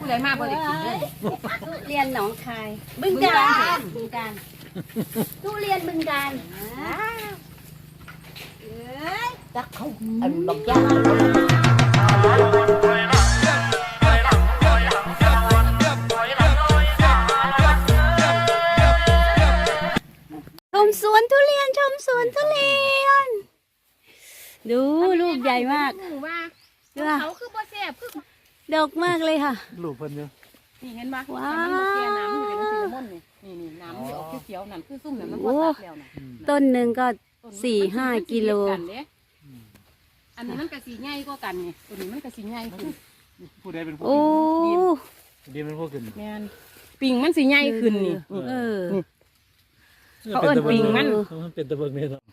ผู้ใดมาบ่ได้กินเลยทุเรียนหนองคายบึงกาฬทุเรียนบึงกาฬจักเขาอันบักย่าชมสวนทุเรียนชมสวนทุเรียนดูลูกใหญ่มากดูเขาคือบ่แซ่บคือดกมากเลยค่ะลูกเพิ่นเยอะนี่เห็นปะว้าวมันเสียน้ำอยู่เป็นสีม่นนี่น้ำที่ออกเขียวๆนั่นคือซุ่มนั่นมันก็ตัดแล้วนะต้นหนึ่งก็4-5 กิโลอันนี้มันกระสีใหญ่ก็กันไงตัวนี้มันกระสีใหญ่ขึ้นผู้ใดเป็นผู้โอ้ดีเป็นผู้ขึ้นแม่นปิ่งมันสีใหญ่ขึ้นนี่เออเขาเอิ้นปิงมันเป็นตะเบิงเนี่ยเนาะ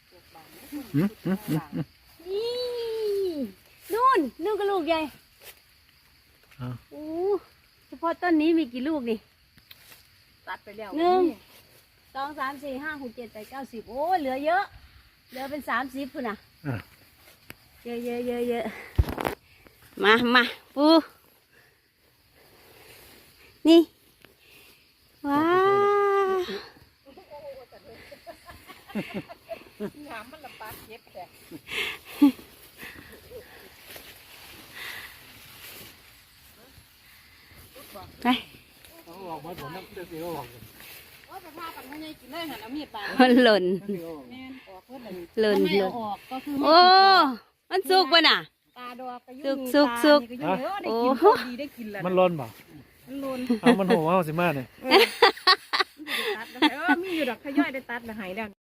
นี่นู่นก็ลูกใหญ่โอ้เฉพาะต้นนี้มีกี่ลูกนี่ตัดไปแล้ว 2, 3, 4, 5, 6, 7, 8, 9, 10โอ้เหลือเยอะเหลือเป็น30พุ่นน่ะเยอะมาปูนี่ว้าน้ำมันละปาเก็บแต่ไปเขาออกมาผมนั่งเสียวออกว่าจะพาปันให้ยายกินเลยหันเอามีดปาดมันหล่นแม่นออกเพิ่นหล่นไม่เอาออกก็คือโอ้มันสุกป่ะน่ะตาดอกก็ยุ่งสุกได้กินโอ้ดีได้กินแล้วมันร้อนเปล่ามันลนเอามันหัวเอาสิมาเนี่ยตัดแล้วมีอยู่ดอกขย่อยได้ตัดแล้วหายแล้ว